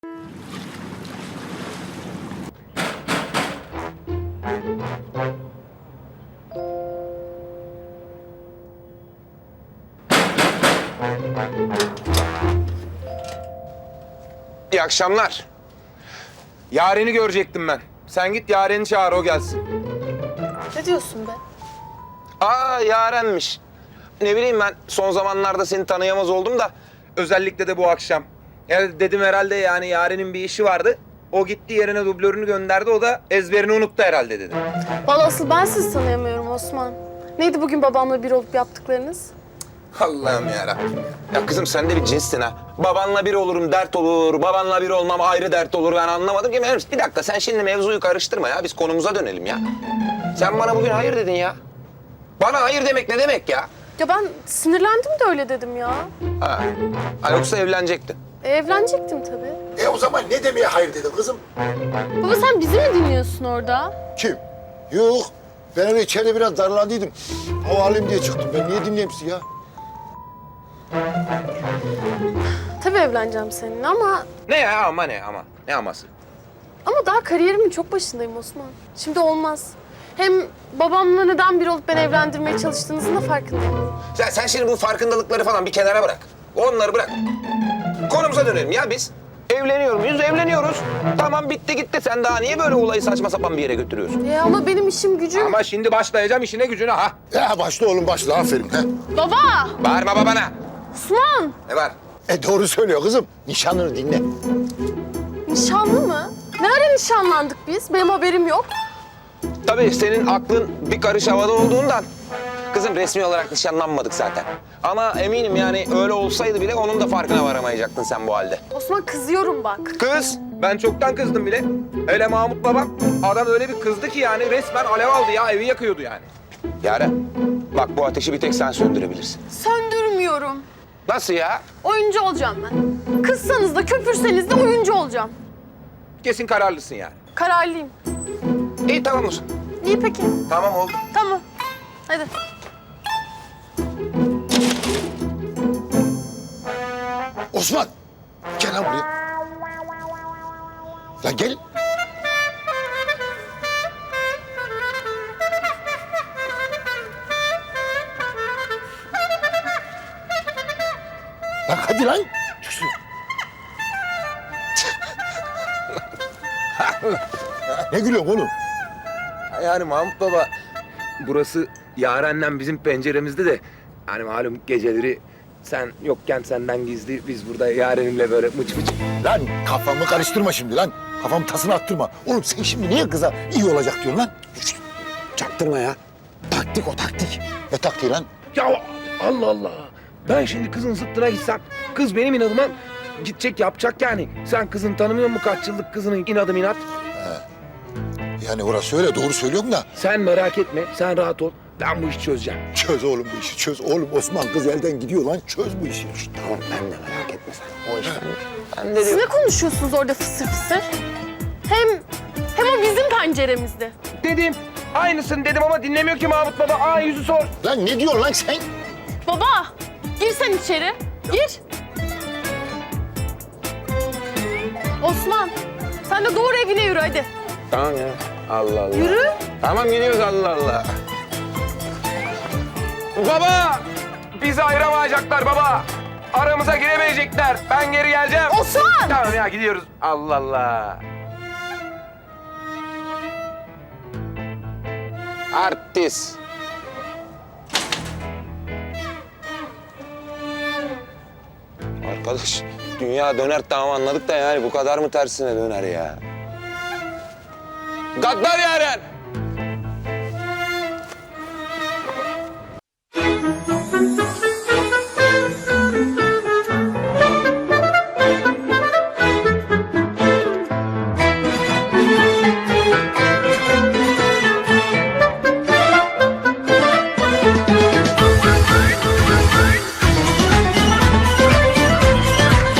İyi akşamlar. Yaren'i görecektim ben. Sen git Yaren'i çağır, o gelsin. Ne diyorsun be? Aa, Yaren'miş. Ne bileyim, ben son zamanlarda seni tanıyamaz oldum da özellikle de bu akşam. Ya dedim herhalde, yani Yaren'in bir işi vardı. O gitti, yerine dublörünü gönderdi. O da ezberini unuttu herhalde dedim. Vallahi asıl ben sizi tanıyamıyorum Osman. Neydi bugün babamla bir olup yaptıklarınız? Allah'ım yarabbim. Ya kızım, sen de bir cinssin ha. Babanla bir olurum dert olur, babanla bir olmam ayrı dert olur. Ben anlamadım ki. Bir dakika, sen şimdi mevzuyu karıştırma ya. Biz konumuza dönelim ya. Sen bana bugün hayır dedin ya. Bana hayır demek ne demek ya? Ya ben sinirlendim de öyle dedim ya. Ha yoksa evlenecektin. Evlenecektim tabii. O zaman ne demeye hayır dedin kızım? Baba sen bizi mi dinliyorsun orada? Kim? Yok. Ben öyle içeride biraz darlandıydım. Hava alayım diye çıktım. Ben niye dinleyeyim sizi ya? Tabii evleneceğim seninle ama Ne ya, ama ne ama? Ne aması? daha kariyerimin çok başındayım Osman. Şimdi olmaz. Hem babamla neden bir olup beni evlendirmeye çalıştığınızın da farkındayım. Sen şimdi bu farkındalıkları falan bir kenara bırak. Onları bırak. Konumuza dönelim ya biz. Evleniyoruz. Tamam, bitti gitti. Sen daha niye böyle olayı saçma sapan bir yere götürüyorsun? Ama benim işim gücüm... Ama şimdi başlayacağım işine gücüne ha. Ya başla oğlum başla. Aferin. He. Baba! Bağırma babana. Osman! Ne var? Doğru söylüyor kızım. Nişanlını dinle. Nişanlı mı? Ne ara nişanlandık biz? Benim haberim yok. Tabii senin aklın bir karış havada olduğundan. Kızım, resmi olarak nişanlanmadık zaten. Ama eminim yani öyle olsaydı bile onun da farkına varamayacaktın sen bu halde. Osman kızıyorum bak. Kız, ben çoktan kızdım bile. Hele Mahmut babam, adam öyle bir kızdı ki yani resmen alev aldı ya, evi yakıyordu yani. Yaren, bak bu ateşi bir tek sen söndürebilirsin. Söndürmüyorum. Nasıl ya? Oyuncu olacağım ben. Kızsanız da köpürseniz de oyuncu olacağım. Kesin kararlısın yani. Kararlıyım. İyi, tamam olsun. İyi peki. Tamam oldu. Tamam. Hadi. Osman. Gel lan buraya. Lan gel. Lan hadi lan. Çık şuraya. Ne gülüyorsun oğlum? Yani Mahmut baba, burası Yaren'le bizim penceremizde de... ...hani malum geceleri sen yokken senden gizli biz burada Yaren'imle böyle mıç mıç... Lan kafamı karıştırma şimdi lan. Kafamı tasını attırma. Oğlum sen şimdi niye kıza iyi olacak diyorsun lan? Çaktırma ya. Taktik o, taktik. Ne taktiği lan? Ya Allah Allah. Ben şimdi kızın zıttına gitsem, kız benim inadıma gidecek, yapacak yani. Sen kızın tanımıyor musun, kaç yıllık kızının inadı inat? Yani orası öyle doğru söylüyorum da. Sen merak etme, sen rahat ol. Ben bu işi çözeceğim. Çöz oğlum bu işi çöz. Oğlum Osman kız elden gidiyor lan. Çöz bu işi. Tamam, ben de merak etme sen. O iş ben de Siz ne konuşuyorsunuz orada fısır fısır? Hem o bizim penceremizde. Dedim. Aynısını dedim ama dinlemiyor ki Mahmut baba. Aa, yüzü sor. Lan ne diyorsun lan sen? Baba, gir sen içeri. Gir. Osman, sen de doğru evine yürü hadi. Tamam ya. Allah Allah. Yürü. Tamam, gidiyoruz, Allah Allah. Baba! Bizi ayıramayacaklar baba. Aramıza giremeyecekler. Ben geri geleceğim. Osman! Tamam ya, gidiyoruz. Allah Allah. Artist. Arkadaş, dünya döner tamam anladık da yani bu kadar mı tersine döner ya? Gaddar Yaren!